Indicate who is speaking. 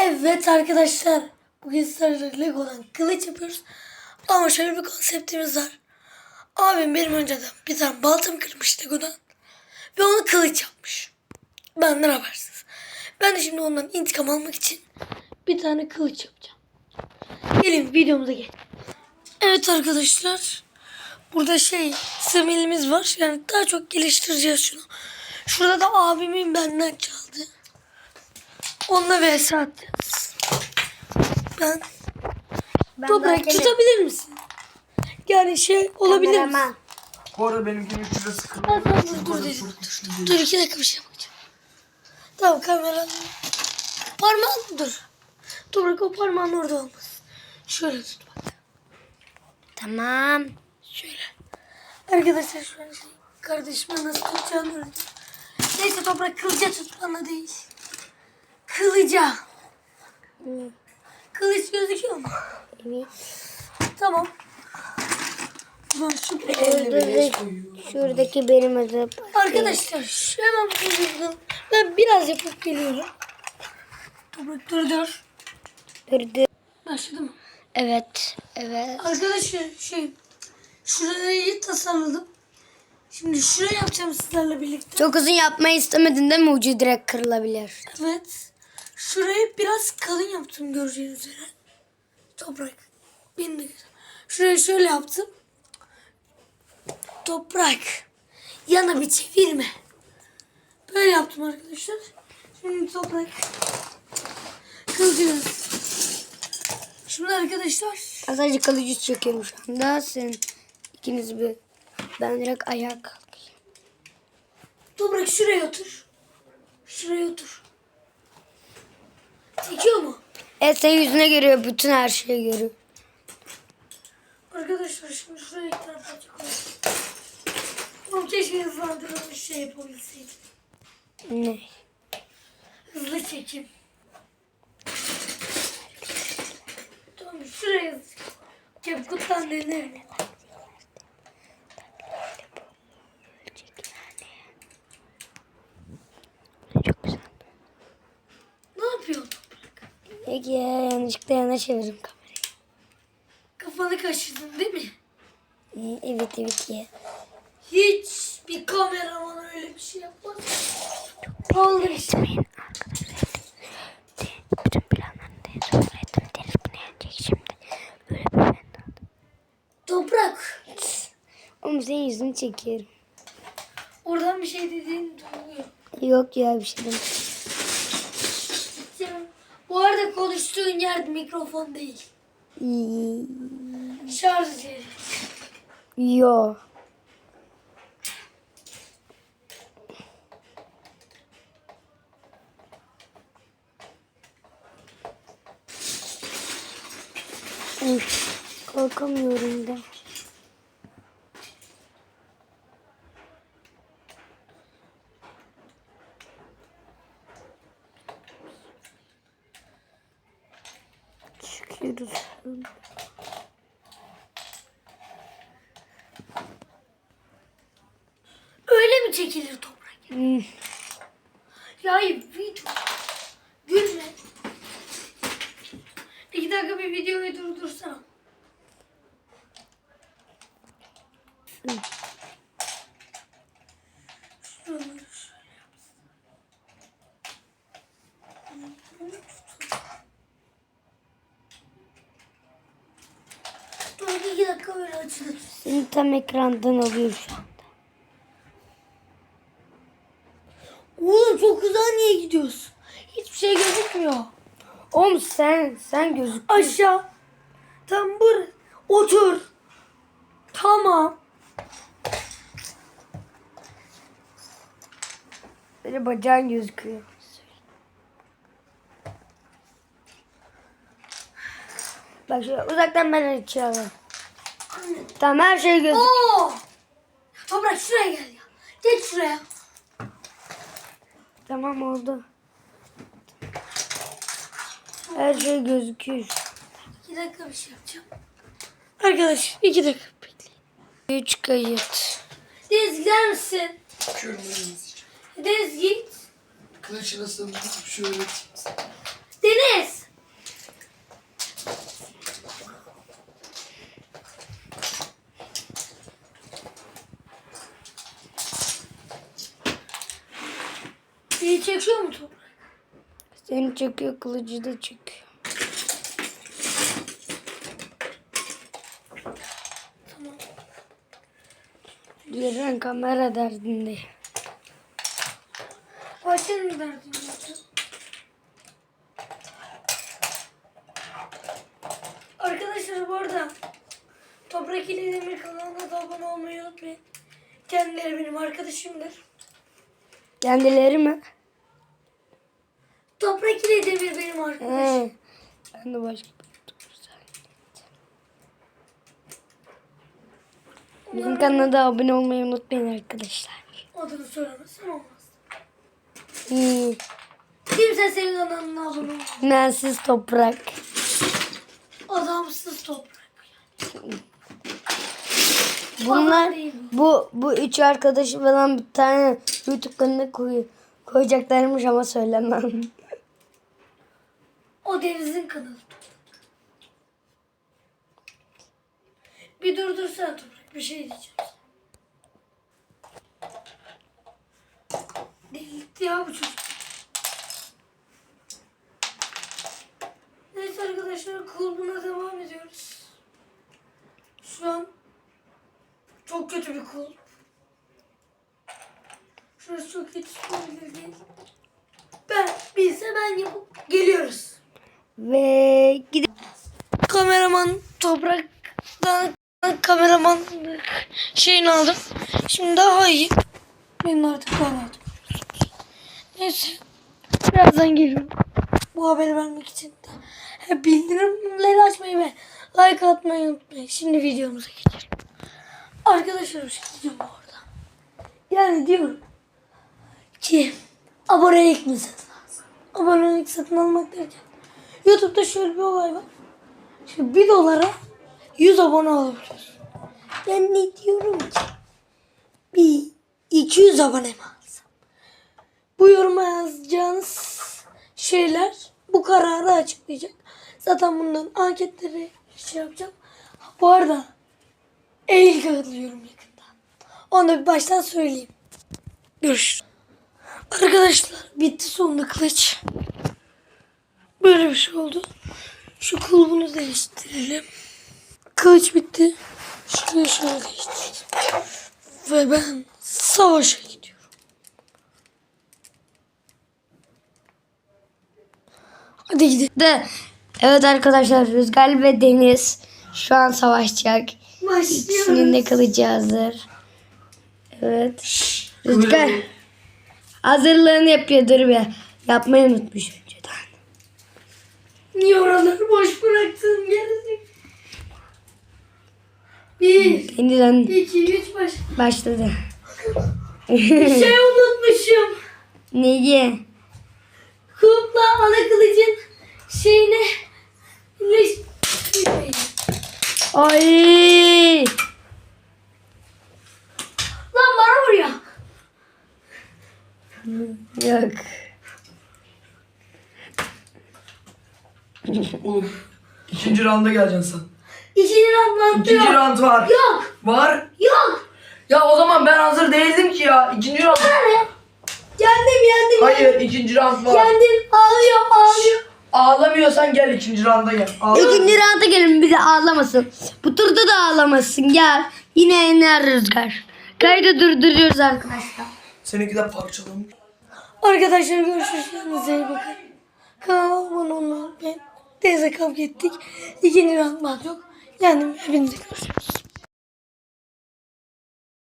Speaker 1: Evet arkadaşlar, bugün sizlerle Lego'dan kılıç yapıyoruz. Ama şöyle bir konseptimiz var. Abim benim önceden bir tane baltam kırmış Lego'dan ve onu kılıç yapmış. Benden habersiz. Ben de şimdi ondan intikam almak için bir tane kılıç yapacağım. Gelin videomuza gel. Evet arkadaşlar, burada similimiz var. Yani daha çok geliştireceğiz şunu. Şurada da abimin benden çaldı. Onunla vs atacağız. Ben toprak tutabilir misin? Yani olabilir mi?
Speaker 2: Bu arada benimkinin kütlesi kırmızı.
Speaker 1: Dur 2 dakika bir şey yapacağım. Tamam kamera. Parmağın dur. Toprak o parmağın orada olmaz. Şöyle tut bak.
Speaker 3: Tamam.
Speaker 1: Şöyle. Arkadaşlar şu an kardeşime nasıl tutacağını öğrendim. Neyse toprak kılıca tut bana değil. Kılıca. Kılıç gözüküyor mu?
Speaker 3: Evet.
Speaker 1: Tamam.
Speaker 3: Şuradaki benim adım.
Speaker 1: Arkadaşlar hemen bakalım. Ben biraz yapıp geliyorum. Toprak dur.
Speaker 3: Durdu.
Speaker 1: Başladı mı?
Speaker 3: Evet.
Speaker 1: Arkadaşlar şurayı tasarladım. Şimdi şurayı yapacağım sizlerle birlikte.
Speaker 3: Çok uzun yapmayı istemedin değil mi? Ucu direkt kırılabilir.
Speaker 1: Evet. Şurayı biraz kalın yaptım göreceğiniz üzere. Toprak. Beni de güzel. Şurayı şöyle yaptım. Toprak. Yana bir çevirme. Böyle yaptım arkadaşlar. Şimdi toprak. Kılacağız. Şimdi arkadaşlar.
Speaker 3: Sadece kalıcı çekiyorum şu anda. Sen ikiniz bir. Ben direkt ayağa kalkayım.
Speaker 1: Toprak şuraya otur. Şuraya otur. Çekiyor mu?
Speaker 3: Evet, senin yüzüne görüyor. Bütün her şeyi görüyor.
Speaker 1: Arkadaşlar şimdi şuraya iki tarafa çıkıyorum. Oğlum keşke hızlandırılmış yapabilseydim.
Speaker 3: Ne?
Speaker 1: Hızlı çekim. Tamam şuraya Kepkut'tan denerim.
Speaker 3: Çok güzel.
Speaker 1: Ne yapıyorsun Toprak?
Speaker 3: Peki ya, yanlışlıkla yana çevirdim kamerayı.
Speaker 1: Kafanı kaşıdın değil mi?
Speaker 3: Evet ya.
Speaker 1: Hiç bir kameraman öyle bir şey yapmaz. Olur işte.
Speaker 3: Bütün planlarını söyledim. Deniz bunu yenecek şimdi. Böyle bir ben aldım.
Speaker 1: Toprak.
Speaker 3: Oğlum senin yüzünü çekiyorum.
Speaker 1: Oradan bir şey dediğini duyuyor.
Speaker 3: Yok ya, bir şey demek.
Speaker 1: Bu arada konuştuğun yer mikrofon değil. Şarj yeri.
Speaker 3: Yo. Kalkamıyorum da. Çıkıyoruz.
Speaker 1: Öyle mi çekilir Toprak? Ya hayır video. Gülme. 2 dakika bir videoyu durdursana. Dur 2 dakika böyle açılır.
Speaker 3: Seni tam ekrandan alıyor şu anda.
Speaker 1: Oğlum çok hızlı niye gidiyorsun? Hiçbir şey gözükmüyor.
Speaker 3: Oğlum sen gözük.
Speaker 1: Aşağı. Tam otur. Tamam.
Speaker 3: Böyle bacağın gözüküyor. Bak şöyle uzaktan ben açıyorum. Tamam, her şey gözüküyor.
Speaker 1: Oo! Toprak şuraya gel ya. Geç şuraya.
Speaker 3: Tamam, oldu. Her şey gözüküyor.
Speaker 1: 2 dakika bir şey yapacağım. Arkadaş 2 dakika bekleyin.
Speaker 3: 3 kayıt.
Speaker 1: Deniz gider misin?
Speaker 2: Kırmızı.
Speaker 1: Deniz git.
Speaker 2: Kılıç nasıl şöyle.
Speaker 1: Deniz. çekiyor mu Toprak?
Speaker 3: Seni çekiyor, kılıcı da çekiyor.
Speaker 1: Tamam.
Speaker 3: Diğer kamera derdinde.
Speaker 1: Ayşe'nin mi derdini yaptın? Arkadaşlar bu arada Toprak ile Demir kanalına da abone olmayı unutmayın. Kendileri benim arkadaşımdır.
Speaker 3: Kendileri mi?
Speaker 1: Toprak ile Demir benim arkadaşım.
Speaker 3: Ben de başka bir YouTuber. Bizim kanala da abone olmayı unutmayın arkadaşlar.
Speaker 1: Adını söylemezsem olmaz.
Speaker 3: Hmm.
Speaker 1: Kimse senin kanalına abone olmaz.
Speaker 3: Mensiz toprak.
Speaker 1: Adamsız Toprak.
Speaker 3: Bunlar bu üç arkadaşı falan bir tane YouTube kanalına koyacaklarmış ama söylemem.
Speaker 1: O Deniz'in kanalı. Bir durdursana Toprak. Bir şey diyeceğim. Delirtti ya bu çocuk. Neyse arkadaşlar kulübüne devam ediyoruz. Şu an çok kötü bir kulüp. Şurası çok kötü olabilir değil. Ben yapıp geliyoruz.
Speaker 3: Ve
Speaker 1: Kameraman Toprak'tan kameraman şeyini aldım. Şimdi daha iyi. Benim artık daha rahat. Neyse. Birazdan geliyorum. Bu haberi vermek için de bildirimleri açmayı ve like atmayı unutmayın. Şimdi videomuza geçelim. Arkadaşlar bir şey diyeceğim bu arada. Yani diyorum ki abonelik mi satın alsın? Abonelik satın almak derken YouTube'da şöyle bir olay var. Şimdi 1 dolara 100 abone alabiliyorsun. Ben ne diyorum ki? Bir 200 abone mi alsam? Bu yoruma yazacağınız şeyler bu kararı açıklayacak. Zaten bundan anketleri yapacağım. Bu arada Eylül katılıyorum yakında. Onu da bir baştan söyleyeyim. Görüşürüz. Arkadaşlar bitti sonunda kılıç. Böyle bir şey oldu. Şu kulbunu değiştirelim. Kılıç bitti. Şurayı şöyle değiştirdim. Ve ben savaşa gidiyorum. Hadi gidelim.
Speaker 3: evet arkadaşlar, Rüzgar ve Deniz şu an savaşacak. İkisinin de kılıcı hazır. Evet. Rüzgar hazırlığını yapıyor, dur bir. Yapmayı unutmuş önceden.
Speaker 1: Niye oraları boş bıraktın gerizekalı? 1,
Speaker 3: Yeniden
Speaker 1: 2, 3
Speaker 3: başladı.
Speaker 1: Bir şey unutmuşum.
Speaker 3: Neyi?
Speaker 1: Kulpla ana kılıcın şeyine birleştirmeyin.
Speaker 3: Ay!
Speaker 1: Lan bana vuruyor.
Speaker 3: Yok.
Speaker 2: Oğlum. İkinci rounda geleceksin sen.
Speaker 1: İkinci round
Speaker 2: İkinci
Speaker 1: yok.
Speaker 2: round var.
Speaker 1: Yok.
Speaker 2: Var.
Speaker 1: Yok.
Speaker 2: Ya o zaman ben hazır değildim ki ya. İkinci round.
Speaker 1: Yendim.
Speaker 2: Hayır, ikinci round var.
Speaker 1: Yendim. Ağlıyor.
Speaker 2: Ağlamıyorsan gel ikinci rounda gel.
Speaker 3: İkinci rounda gelin, bir de ağlamasın. Bu turda da ağlamasın, gel. Yine yener Rüzgar. Kaydı durduruyoruz arkadaşlar.
Speaker 2: Seninki de parçalamış.
Speaker 1: Arkadaşlar görüşürüz. Kendinize iyi bakın. Kanalıma abone olmayı unutmayın. Teyze kavga ettik. İkinci round var yok. Yendim. Hepinize görüşürüz.